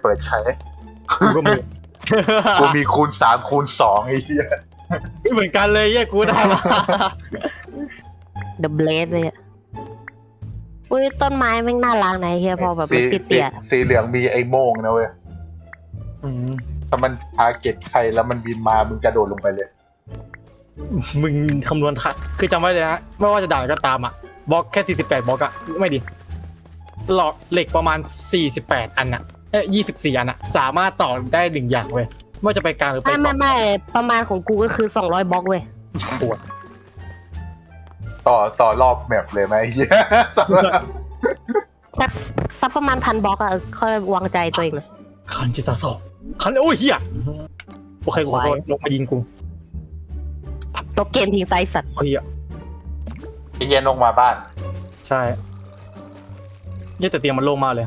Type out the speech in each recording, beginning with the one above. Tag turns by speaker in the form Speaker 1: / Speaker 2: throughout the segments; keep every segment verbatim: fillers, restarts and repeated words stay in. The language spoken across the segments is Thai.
Speaker 1: เปิดใช้
Speaker 2: กูก็มี
Speaker 1: กูมีคูณสามคูณสองไอ้เหี้ย
Speaker 2: เหมือนกันเลยแย่กูได้มา
Speaker 3: The Blade เลยอ่ะอุ้ยต้นไม้แม่งน่ารักนะเฮียพอแบบมันติดเตี่ย
Speaker 1: สีเหลืองมีไอ้โม่งนะเว้ยถ้ามันทาร์เก็ตใครแล้วมันบินมามึงกระโดดลงไปเลย
Speaker 2: มึงคำนวณค่ะคือจำไว้เลยนะไม่ว่าจะด่าก็ตามอ่ะบล็อกแค่สี่สิบแปดบล็อกอะไม่ดีหลอดเหล็กประมาณสี่สิบแปดอันอะเอ้ยยี่สิบสี่อันอะสามารถต่อได้หนึ่งอย่างเว้ยไม่ว่าจะไปกลางหรือไป
Speaker 3: ไม่ไม่ไม่ประมาณของกูก็คือสองร้อยบล็อกเว้ย
Speaker 2: ปวด
Speaker 1: ต่อต่อรอบแมปเลยไหมเฮีย
Speaker 3: สักสักประมาณพันบล็อกอะค่อยวางใจตัวเองเลย
Speaker 2: คันจิตาโซคันโอ้ยเฮียโอเคกูขอโทษลงมายิงกู
Speaker 3: ตกเกมทิ้งไซส์สัตว์
Speaker 2: เฮีย
Speaker 1: ไอ้เฮียลงมาบ้าน
Speaker 2: ใช่เนี่ยแต่เตียงมันโล่งมากเลย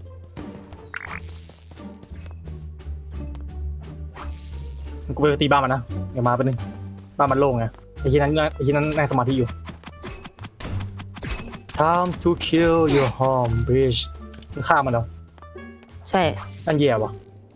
Speaker 2: กูไปตีบ้านมันนะเดี๋ยวมาไปนึงบ้านมันโล่งไงไอ้ที่นั้นไอ้ที่นั้นนั่งสมาธิอยู่ Time to kill your home bridge มึงฆ่ามันเหรอ
Speaker 3: ใช่
Speaker 2: นั่นแย่วะ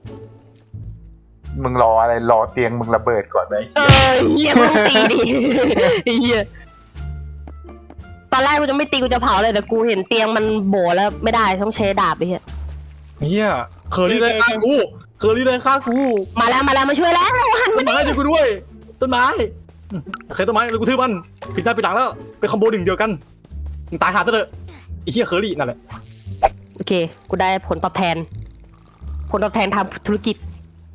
Speaker 1: มึงรออะไรรอเตียงมึงระเบิดก่อนไหม
Speaker 3: เออเฮียมึงตีดิเฮียตอนแรกกูจะไม่ตีกูจะเผาเลยแต่กูเห็นเตียงมันโบแล้วไม่ได้ต้องใช้ดาบไปเฮีย
Speaker 2: เฮียเคอรี่เลยฆ่ากูเคอรี่เลยฆ่ากู
Speaker 3: มาแล้วมาแล้วมาช่วยแล้วหัน
Speaker 2: ต้นไม้ช่วยกูด้วยต้นไม้เคยต้นไม้เลยกูทื่อมันปิดหน้าปิดหลังแล้วเป็นคอมโบหนึ่งเดียวกันมึงตายหาซะเถอะไอ้เฮียเคอรี่นั่นแหละ
Speaker 3: โอเคกูได้ผลตอบแทนผลตอบแทนทำธุรกิจ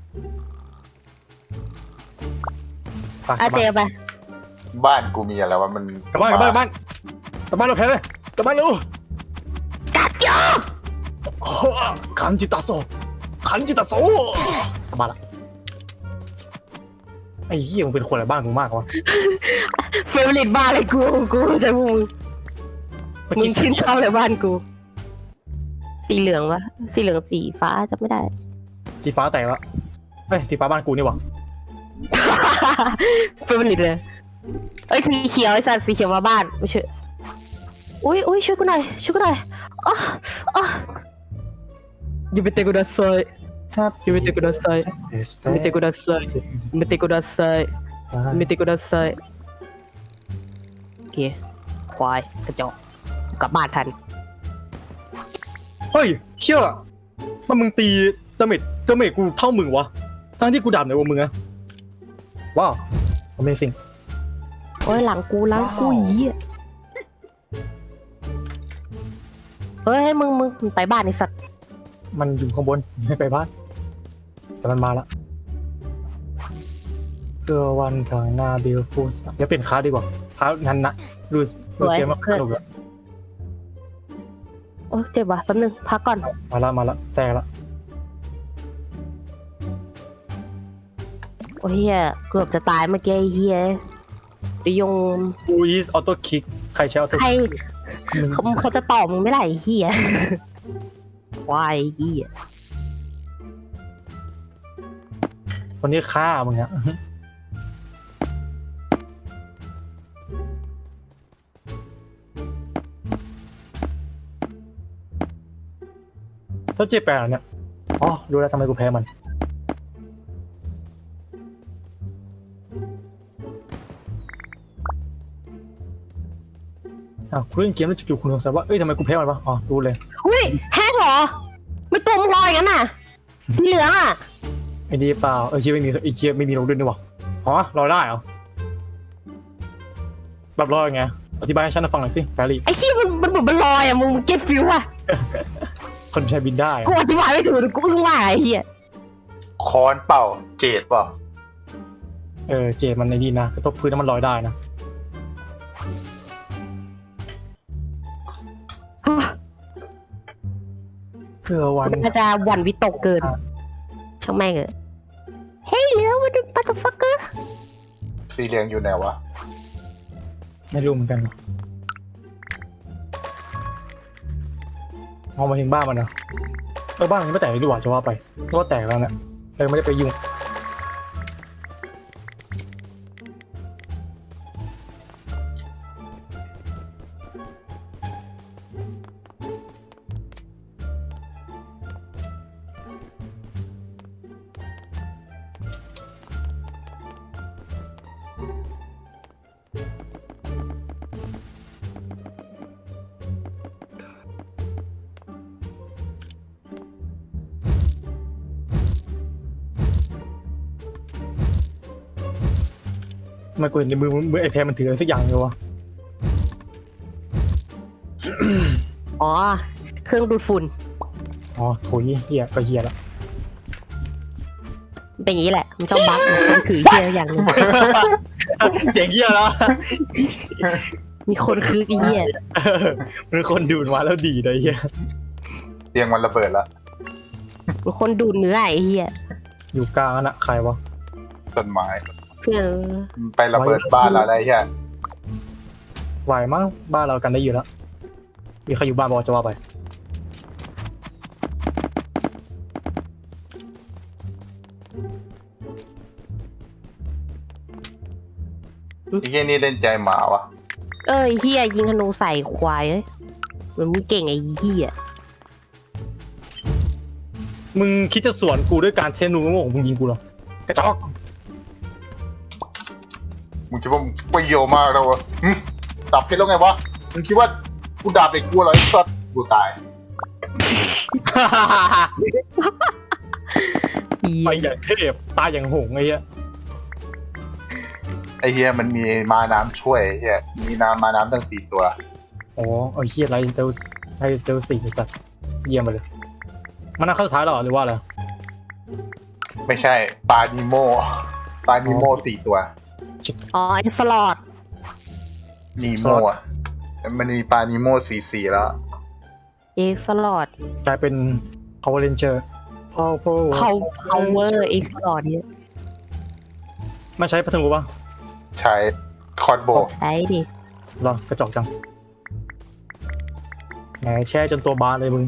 Speaker 3: อาเจไป
Speaker 1: บ้านกูมีอะไรวะมัน
Speaker 2: กลับบ้านกลับบ้านบ้านกลับบ้านเราแพ้เลยกลับบ้านเร็ว
Speaker 3: กัดยอ
Speaker 2: คันจิตาโซคันจิตาโซกลับบ้านละไอ้เหี้ยมึงเป็นคนอะไรบ้านกูมากวะ
Speaker 3: เฟเวอร์ลิตบ้านเลยกูกูจะมึงมึงชื่นชอบเลยบ้านกูสีเหลืองวะสีเหลืองสีฟ้าจำไม่ได้
Speaker 2: สีฟ้าแต่ละเฮ้ยสีฟ้าบ้านกูนี่วะ
Speaker 3: เฟเวอร์ลิตเลยเอ้ยสีเขียวไอ้สัตว์สีเขียวมาบ้านไม่ช่วยอุ้ยอุ้ยช่วยกูหน่อยช่วยกูหน่อยอ๋ออ๋อยูเมเตกุดาไซยูเมเตกุดาไซยูเมเตกุดาไซยูเมเตกุดาไซยูเมเตกุดาไซโอเคควายกระจอกกลับบ้านทัน
Speaker 2: เฮ้ยเชี่ยมันมึงตีดาเมจดาเมจกูเท่ามึงวะทั้งที่กูดับในวงมึงนะว้าว Amazing
Speaker 3: โอ้ยหลังกูหลังกูอีเฮ้ยมึงมึงไปบ้านไอ้สัตว์
Speaker 2: มันอยู่ข้างบนไม่ไปบ้านแต่มันมาละเกอวันทางหน้าบิลฟูสเดี๋ยวเปลี่ยนคาดีกว่าคานั้นนะดูดูเสียมาสนุกอะ
Speaker 3: โอ้เจ็บว่ะแป๊บนึงพักก่อน
Speaker 2: มาละมาละแจกละ
Speaker 3: โอ้เฮียเกือบจะตายเมื่อกี้เฮียไปยง
Speaker 2: อูยิสออโต้คิกใครใช้ออโต้
Speaker 3: ใครเขาเขาจะตอบมึงไม่ได้เฮียวายเฮีย
Speaker 2: คนนี้ฆ่ามึงอะถ้าเจ็บแปลกเนี่ยอ๋อรู้แล้วทำไมกูแพ้มันอ่ะคุณเล่นเกมแล้วจู่ๆคุณสงสัยว่าเอ้ยทำไมกูแพ้มันวะอ๋อรู้เลย
Speaker 3: อุ้ยแห้งเหรอไม่ตัวมึงลอยงั้นน่ะสีเหลืองอ่ะ
Speaker 2: ไอ้ดีเปล่าเออเชียไม่มีไอ้เชียไม่มีลงด้วยนี่วะอ๋อลอยได้เหรอแบบลอยไงอธิบายให้ฉันฟังหน่อยสิแพรรี่
Speaker 3: ไอ้ขี้มันมันเหมือนมันลอยอ่ะมึงเก็ตฟิวอ่ะ
Speaker 2: คนใช้บินได้
Speaker 3: กูอธิบายไม่ถูกกูอึ้งว่าไอ้เหี้ย
Speaker 1: คอนเปล่าเจดเปล่า
Speaker 2: เออเจดมันในดีนะกระทบพื้นแล้วมันลอยได้นะเพื่อวัน
Speaker 3: มันจะวันวิตกเกินช่างแม่งเออเฮ้ยเหลือมาดูปัตต์ฟักเกอร์
Speaker 1: สีเหลืองอยู่ไหนวะ
Speaker 2: ไม่รู้เหมือนกันเอามาถึงบ้านมันนะเออบ้านมันไม่แตกเลยดีกว่าจะว่าไปเพราะว่าแตกแล้วเนี่ยเลยไม่ได้ไปยุ่งทำไมันกูเห็นในมือมือไอแพรมันถืออะไรสักอย่างเลยวะ
Speaker 3: อ๋อ เครื่องดูดฝุ่น
Speaker 2: อ๋อโถยเฮียก็เฮียแล้ว
Speaker 3: เป็นอย่างนี้แหละ มันชอบบั๊กมันต้องถือเฮียอย่างหนึง
Speaker 2: เสียงเฮียแล้ว
Speaker 3: มีคนคือไอ้เฮีย
Speaker 2: มันคนดูดมาแล้วดีเลยเฮีย
Speaker 1: เตียงมันระเบิดละ
Speaker 3: มีคนดูดเนื้อไอ้เฮีย
Speaker 2: อยู่กลางน่ะใครวะ
Speaker 1: ต้นไม้
Speaker 3: เพื่อน
Speaker 1: ไประเบิดบ้านอะไรเงี้ย
Speaker 2: ไหวมั้งบ้านเรากันได้อยู่แล้วมีใครอยู่บ้านบอกจะว่าไป
Speaker 1: ไอ้เหี้ยนี่เล่นใจหมาวะ
Speaker 3: เอ้ยเฮียยิงธนูใส่ควายเอ้ยเหมือนมึงเก่งไอ้เฮีย
Speaker 2: มึงคิดจะสวนกูด้วยการเทนูโง่ของมึงยิงกูเหรอกระจอก
Speaker 1: มึงคิดว่ามึงประโยชน์มากแล้ววะหึดับเพชรแล้วไงวะมึงคิดว่ากูดาบเด็กกูเหรอไอ้สัสกูตาย
Speaker 3: เหี้ย
Speaker 2: ไปอย่างเทพตายอย่างหงส์ไอ้เหี้ย
Speaker 1: ไอ้เฮียมันมีมาน้ำช่วยไอ้เฮียมีน้ำมาน้ำตั้งสี่ตัว
Speaker 2: อ๋อเอาเฮียไรสเตลไรสเตลสี่ไอ้สัตว์เยี่ยมไปเลยมันน่าเข้าสุดท้ายหรอหรือว่าอะไร
Speaker 1: ไม่ใช่ปลานิโมปลานิโมสี่ตัว
Speaker 3: อ๋อไอ้สลอด
Speaker 1: นีโมอ่ะมันมีปลานิโมสี่สี่แล้ว
Speaker 3: เอ็กสลอด
Speaker 2: กลายเป็น Power Ranger Power Power
Speaker 3: เผาเผาเวอร์เอ็กสลอดเนี่ย
Speaker 2: มันใช้พัทงูป่ะ
Speaker 1: ใช้คอร์ดโบ
Speaker 3: ใช้ดิ
Speaker 2: เหรอกระจอกจังแหมแช่จนตัวบานเลยมึง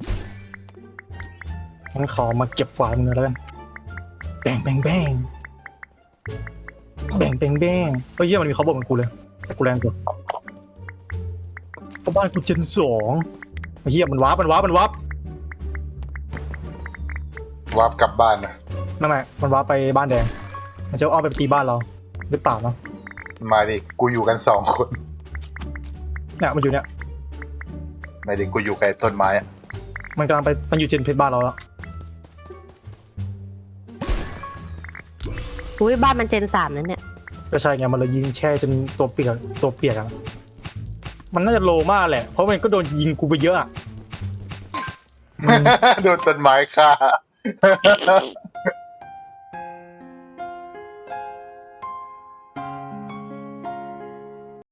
Speaker 2: งั้นขอมาเก็บกวาดมึงหน่อยแล้วกันแบ่งแบ่งแบ่งแบ่งแบ่งแบ่งเฮ้ยเหี้ยมันมีเขาบอกเหมือนกูเลยแต่กูแรงกว่าเพราะบ้านกูเจนสองไอ้เหี้ยมันวาร์ปมันวาร์ปมันวาร์ป
Speaker 1: วาร์ปกลับบ้านนะ
Speaker 2: ไม่ไม่มันวาร์ปไปบ้านแดง มันจะเอาไปตีบ้านเราหรือเปล่าเนาะ
Speaker 1: มาดิกูอยู่กันสองคน
Speaker 2: เนี่ยมันอยู่เนี่ย
Speaker 1: ไม่ดิกูอยู่กับไอ้ต้นไม้อะ
Speaker 2: มันกำลังไปมันอยู่เจนเพชรบ้านเราแล้ว
Speaker 3: อุ้ยบ้านมันเจนสามนั่นเนี่ย
Speaker 2: ก็ใช่ไงมันเลยยิงแช่จนตัวเปียกตัวเปียกอะมันน่าจะโลมากแหละเพราะมันก็โดนยิงกูไปเยอะอะ
Speaker 1: โดนต้นไม้ฆ่า